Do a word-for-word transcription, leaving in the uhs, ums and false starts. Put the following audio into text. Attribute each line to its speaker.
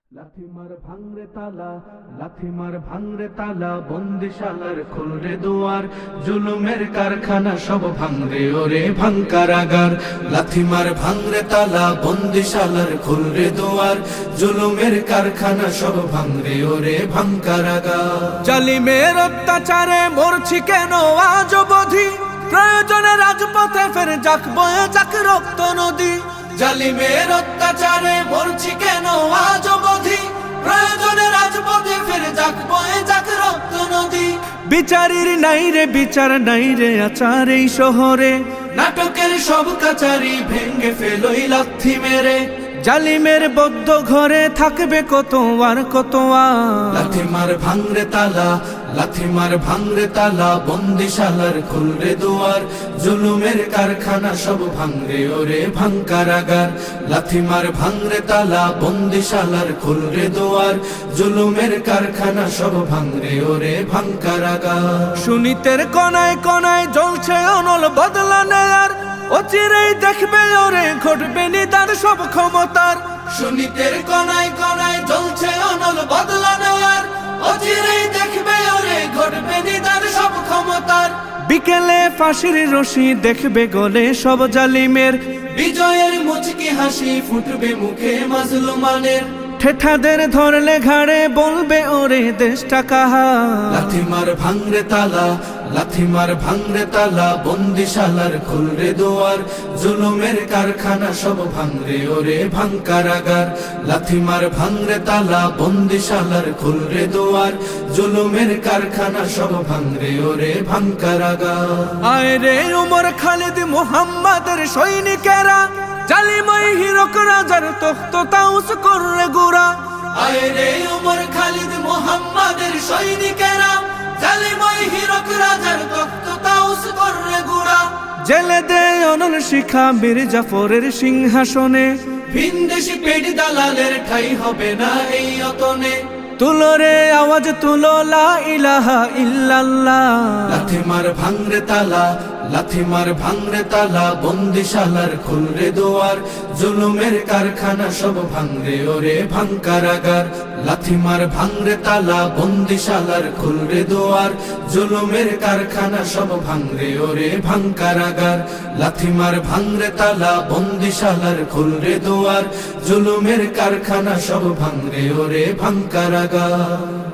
Speaker 1: লাথি মার ভাঙরে তালা, লাথি মার ভাঙরে তালা, বন্দিশালার খুলরে দুয়ার, জুলুমের কারখানা সব ভাঙরে ওরে ভাঙ কারাগার। লাথি মার ভাঙরে তালা, বন্দিশালার খুলরে দুয়ার, জুলুমের কারখানা সব ভাঙরে ওরে ভাঙ কারাগার।
Speaker 2: জালিমের অত্যাচারে মরছি কেন আজ অবধি, প্রয়োজনে রাজপথে ফের যাক বয়ে যাক রক্ত নদী।
Speaker 1: জালিমের অত্যাচারে মরছি কেন আজ অবধি, প্রয়োজনে রাজপথে ফের যাক বয়ে যাক রক্ত নদী।
Speaker 2: বিচারের নাই রে বিচার নাই রে আচার এই শহরে,
Speaker 1: নাটকের সব কাচারি ভেঙ্গে ফেলোই লাথি মেরে।
Speaker 2: জালিমের বদ্ধ ঘরে থাকবে কত আর কত আর।
Speaker 1: লাথি মার ভাঙরে তালা, লাথি মার ভাঙরে তালা, বন্দিশালার খুলরে দুয়ার, জুলুমের কারখানা সব ভাঙরে ওরে ভাঙ কারাগার। লাথি মার ভাঙরে তালা, বন্দিশালার খুলরে দুয়ার, জুলুমের কারখানা সব ভাঙরে ওরে ভাঙ কারাগার।
Speaker 2: সুনীতের কনায় কনায় জ্বলছে অনল বদলা নেয়ার, অচিরেই দেখবে ওরে ঘটবে নিদার সব ক্ষমতার।
Speaker 1: সুনীতের কনায় কনায় জ্বলছে অনল বদলা নেয়ার, অচিরেই দেখবে ওরে ঘটবে নিদার সব ক্ষমতার।
Speaker 2: বিকেলে ফাঁসির রশি দেখবে গলে সব জালিমের,
Speaker 1: বিজয়ের মুচকি হাসি ফুটবে মুখে মাজলুমানের।
Speaker 2: ঠেঠাদের ধরলে ঘাড়ে বলবে ওরে দেশটা কাহার।
Speaker 1: লাথি মার ভাঙরে তালা, লাথি মার ভাঙরে তালা, বন্দিশালার খুলরে দুয়ার, জুলুমের কারখানা সব ভাঙরে ওরে ভাঙ কারাগার। লাথি মার ভাঙরে তালা, বন্দিশালার খুলরে দুয়ার, জুলুমের কারখানা সব ভাঙরে ওরে ভাঙ কারাগার।
Speaker 2: আয় রে উমর খালিদ মুহাম্মাদের সৈনিকেরা, জালিমাই হিরক রাজার তখ্ত তাউস কররে গুরা।
Speaker 1: আয় রে উমর খালিদ মুহাম্মাদের সৈনিকেরা, জালিমাই হিরক রাজার তখ্ত তাউস কররে গুরা।
Speaker 2: জেলে দে অনল শিখা বীর জাফরের সিংহাসনে,
Speaker 1: ভিনদেশি পেট দালালের ঠাই হবে না এই অতনে।
Speaker 2: তুলো রে আওয়াজ তুলো লা ইলাহা ইল্লাল্লাহ।
Speaker 1: লাথি মার ভাঙরে তালা, লাথি মার ভাঙরে তালা, বন্দিশালার খুলরে দুয়ার, জুলুমের কারখানা সব ভাঙরে ওরে ভাঙ কারাগার। লাথি মার ভাঙরে তালা, বন্দিশালার খুলরে দুয়ার, জুলুমের কারখানা সব ভাঙরে ওরে ভাঙ কারাগার। লাথি মার ভাঙরে তালা, বন্দিশালার খুলরে দুয়ার, জুলুমের কারখানা সব ভাঙরে ওরে ভাঙ কারাগার।